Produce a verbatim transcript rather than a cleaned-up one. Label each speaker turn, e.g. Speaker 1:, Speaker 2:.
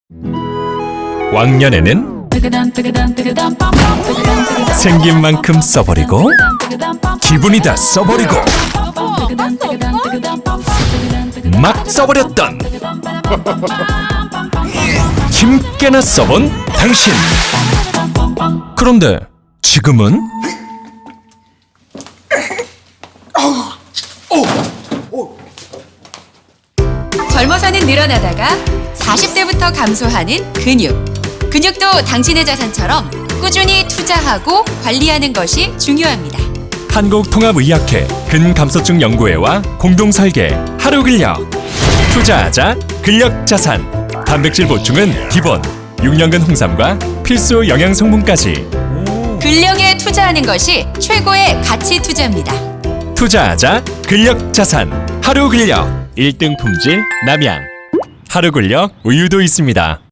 Speaker 1: 왕년에는 생긴 만큼 써버리고 기분이다 써버리고 막 써버렸던 힘께나 써본 당신. 그런데 지금은
Speaker 2: 젊어서는 늘어나다가 사십 대부터 감소하는 근육. 근육도 당신의 자산처럼 꾸준히 투자하고 관리하는 것이 중요합니다.
Speaker 1: 한국통합의학회 근감소증 연구회와 공동설계 하루근력. 투자하자 근력자산. 단백질 보충은 기본, 육 년근 홍삼과 필수 영양성분까지.
Speaker 2: 근력에 투자하는 것이 최고의 가치 투자입니다.
Speaker 1: 투자하자 근력자산 하루근력. 일 등 품질 남양. 하루근력 우유도 있습니다.